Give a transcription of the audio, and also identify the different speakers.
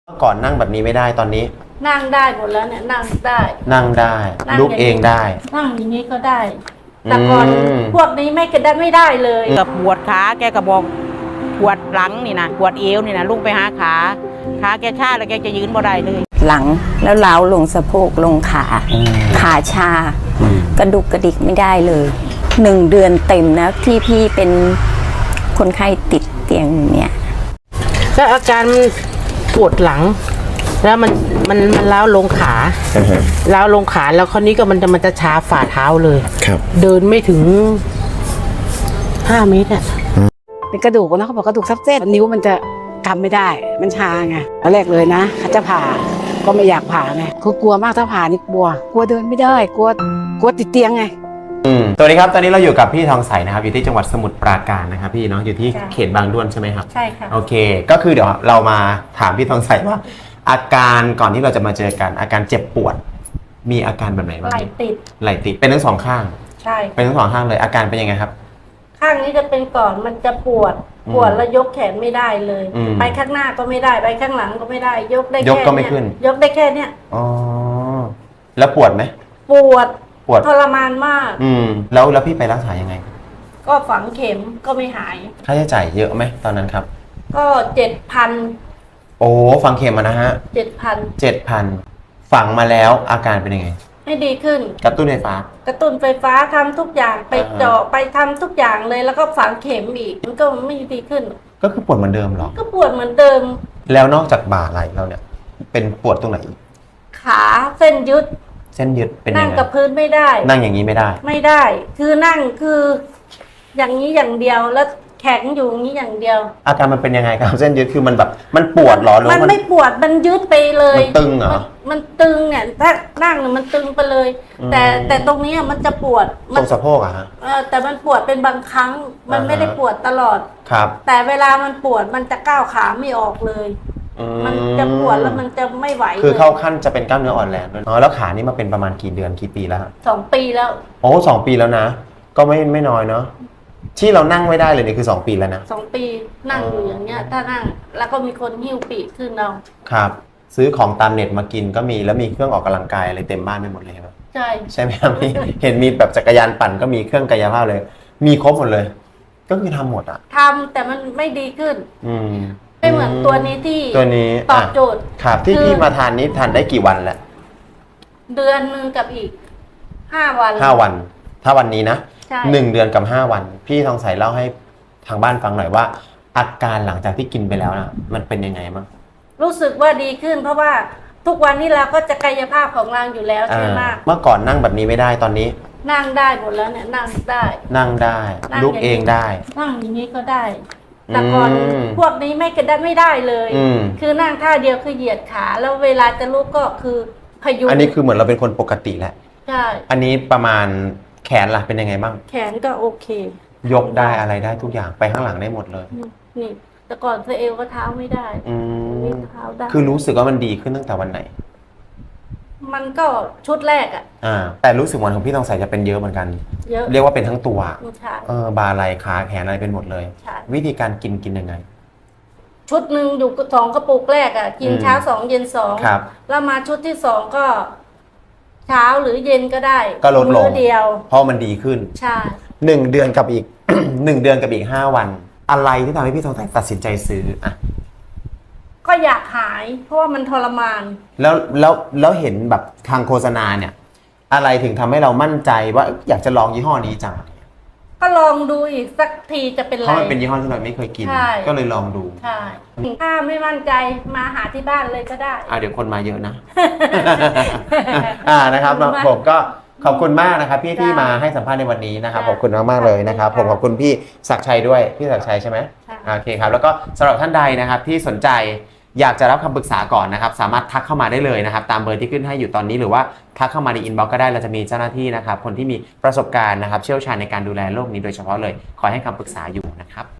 Speaker 1: ก่อนนั่งแบบนี้ไม่ได้ตอนนี้
Speaker 2: นั่งได้หมดแล้วเนี่ยนั่งได้
Speaker 1: ลุกเองได้
Speaker 2: นั่งอย่างนี้ก็ได้แต่ก่อนพวกนี้ไม่ได้เลย
Speaker 3: กับปวดขาแกก็บอกปวดหลังนี่นะปวดเอวนี่นะลุกไปหาขาแกชาแล้วแกจะยืนบ่ได้เลย
Speaker 4: หลังแล้วล้าวลงสะโพกลงขาชากระดุกกระดิกไม่ได้เลย1 เดือนเต็มนะที่พี่เป็นคนไข้ติดเตียงเนี่ย
Speaker 3: ก็อาการปวดหลังแล้วมันล้าวลงขาล้าวลงขาแล้วคราวนี้ก็มันจะชาฝ่าเท้าเลยเดินไม่ถึง5 เมตรอ่ะ
Speaker 5: เป็นกระดูกนะเขาบอกกระดูกทับเส้นนิ้วมันจะกำไม่ได้มันชาไงตอนแรกเลยนะเขาจะผ่าก็ไม่อยากผ่าไงคือกลัวมากถ้าผ่านี่กลัวเดินไม่ได้กลัวติดเตียงไง
Speaker 1: สวัสดีครับตอนนี้เราอยู่กับพี่ทองใสนะครับอยู่ที่จังหวัดสมุทรปราการนะครับพี่เนาะอยู่ที่เขตบางด้วนใช่ไหมครับ
Speaker 2: ใช่ค่ะ
Speaker 1: โอเคก็คือเดี๋ยวเรามาถามพี่ทองใสว่าอาการก่อนที่เราจะมาเจอกันอาการเจ็บปวดมีอาการแบบไหนบ้าง
Speaker 2: ไหล่ติด
Speaker 1: เป็นทั้งสองข้าง
Speaker 2: ใช่
Speaker 1: เป็นทั้งสองข้างเลยอาการเป็นยังไงครับ
Speaker 2: ข้างนี้จะเป็นก่อนมันจะปวดแล้วยกแขนไม่ได้เลยไปข้างหน้าก็ไม่ได้ไปข้างหลังก็ไม่ได้ยกได้แค่
Speaker 1: ยกก็ไม่ขึ้น
Speaker 2: ยกได้แค่เนี้ย
Speaker 1: อ๋อแล้วปวดไหม
Speaker 2: ปวดทรมานมาก
Speaker 1: แล้วพี่ไปรักษายังไง
Speaker 2: ก็ฝังเข็มก็ไม่หาย
Speaker 1: ค่าใช้จ่ายเยอะไหมตอนนั้นครับ
Speaker 2: ก็7,000โ
Speaker 1: อ้ฝังเข็มนะฮะ7,000ฝังมาแล้วอาการเป็นยังไง
Speaker 2: ไม่ดีขึ้น
Speaker 1: กระตุ้นไฟฟ้า
Speaker 2: ทำทุกอย่างไปเจาะไปทำทุกอย่างเลยแล้วก็ฝังเข็มอีกมันก็ไม่ดีขึ้น
Speaker 1: ก็คือปวดเหมือนเดิมหรอ
Speaker 2: ก็ปวดเหมือนเดิม
Speaker 1: แล้วนอกจากบ่าไหล่เราเนี่ยเป็นปวดตรงไหนอีก
Speaker 2: ขาเส้นยึด
Speaker 1: เป็นยังไง
Speaker 2: นั่งกับพื้นไม่ได้
Speaker 1: นั่งอย่างนี้ไม่
Speaker 2: ได้คือนั่งคืออย่างนี้อย่างเดียวแล้วแข็งอยู่อย่างนี้อย่างเดียว
Speaker 1: อาการมันเป็นยังไงครับเส้นยึดคือมันแบบมันปวดหรอหรือ
Speaker 2: มันไม่ปวดมันยึดไปเลย
Speaker 1: มันตึงเหรอ
Speaker 2: มันตึงเนี่ยถ้านั่งมันตึงไปเลยแต่ตรงนี้มันจะปวด
Speaker 1: ตรงสะโพกอะฮะ
Speaker 2: แต่มันปวดเป็นบางครั้งมันไม่ได้ปวดตลอด
Speaker 1: ครับ
Speaker 2: แต่เวลามันปวดมันจะก้าวขาไม่ออกเลยมันจะปวดแล้วมันจะไม่ไหว
Speaker 1: คือเข้าขั้นจะเป็นกล้ามเนื้ออ่อนแรงด้วยแล้วขานี่มาเป็นประมาณกี่เดือนกี่ปีแล้ว
Speaker 2: 2 ปีแล้ว
Speaker 1: โอ้2 ปีแล้วนะก็ไม่น้อยเนาะที่เรานั่งไม่ได้เลยนี่คือ2 ปีแล้วนะ
Speaker 2: 2 ปีนั่งอยู่อย่างเงี้ยถ้านั่งแล้วก็มีคนหิ้วปีกขึ้นเรา
Speaker 1: ครับซื้อของตามเน็ตมากินก็มีแล้วมีเครื่องออกกำลังกายอะไรเต็มบ้านไปหมดเลยครับใช่ไหมครับพี่เห็นมีแบบจักรยานปั่นก็มีเครื่องกายภาพเลยมีครบหมดเลยก็คือทำหมดอะ
Speaker 2: ทำแต่มันไม่ดีขึ้นไม่เหมือนตัวนี้ที่ตอบโจทย์
Speaker 1: ครับที่พี่มาทานนี้ทานได้กี่วันแล้ว
Speaker 2: เดือนนึงกับอีก5 วัน
Speaker 1: ถ้าวันนี้นะ1 เดือนกับ5 วันพี่ทองใสเล่าให้ทางบ้านฟังหน่อยว่าอาการหลังจากที่กินไปแล้วนะมันเป็นยังไงบ้าง
Speaker 2: รู้สึกว่าดีขึ้นเพราะว่าทุกวันนี้เราก็จะกายภาพของเราอยู่แล้วใช่ไหม
Speaker 1: เมื่อก่อนนั่งแบบนี้ไม่ได้ตอนนี้
Speaker 2: นั่งได้หมดแล้วเนี่ยนั่งได้
Speaker 1: ลุกเองได้
Speaker 2: นั่งอย่างนี้ก็ได้แต่ก่อนพวกนี้ไม่ได้เลยคือนั่งท่าเดียวคือเหยียดขาแล้วเวลาจะลุกก็คือพยุง
Speaker 1: อันนี้คือเหมือนเราเป็นคนปกติแหละ
Speaker 2: ใช่
Speaker 1: อันนี้ประมาณแขนล่ะเป็นยังไงบ้าง
Speaker 2: แขนก็โอเค
Speaker 1: ยกได้อะไรได้ทุกอย่างไปข้างหลังได้หมดเลย
Speaker 2: นี่แต่ก่อนเอวก็เท้าไม่ได้นี่เท้าได้
Speaker 1: คือรู้สึกว่ามันดีขึ้นตั้งแต่วันไหน
Speaker 2: มันก็ชุดแรก
Speaker 1: แต่รู้สึกวันของพี่ทองใสจะเป็นเยอะเหมือนกันเรียกว่าเป็นทั้งตัวบ่าไหล่ขาแขนอะไรเป็นหมดเลยวิธีการกินยังไง
Speaker 2: ชุดหนึ่งอยู่2 กระปุกแรกกินเช้า2เย็น2แล้วมาชุดที่2ก็เช้าหรือเย็นก็ได้
Speaker 1: ก็ลดลง
Speaker 2: เดียว
Speaker 1: เพราะมันดีขึ้น
Speaker 2: ใช่
Speaker 1: 1 เดือนกับอีก 1 เดือนกับอีก5 วันอะไรที่ทำให้พี่ทองใสตัดสินใจซื้อ
Speaker 2: ก็อยากหายเพราะว่ามันทรมาน
Speaker 1: แล้วเห็นแบบทางโฆษณาเนี่ยอะไรถึงทำให้เรามั่นใจว่าอยากจะลองยี่ห้อนี้จัง
Speaker 2: ก็ลองดูอีกสักทีจะเป็นไร
Speaker 1: เพราะมันเป็นยี่ห้อที่เราไม่เคยกินก็เลยลองดู
Speaker 2: ใช่ถ้าไม่มั่นใจมาหาที่บ้านเลยก็ได้
Speaker 1: เดี๋ยวคนมาเยอะนะนะครับผมก็ขอบคุณมากนะครับพี่ที่มาให้สัมภาษณ์ในวันนี้นะครับขอบคุณมากๆเลยนะครับผมขอบคุณพี่ศักดิ์ชัยด้วยพี่ศักดิ์ชัยใช่ไหมโอเคครับแล้วก็สำหรับท่านใดนะครับที่สนใจอยากจะรับคำปรึกษาก่อนนะครับสามารถทักเข้ามาได้เลยนะครับตามเบอร์ที่ขึ้นให้อยู่ตอนนี้หรือว่าทักเข้ามาในอินบ็อกซ์ก็ได้เราจะมีเจ้าหน้าที่นะครับคนที่มีประสบการณ์นะครับเชี่ยวชาญในการดูแลโรคนี้โดยเฉพาะเลยคอยให้คำปรึกษาอยู่นะครับ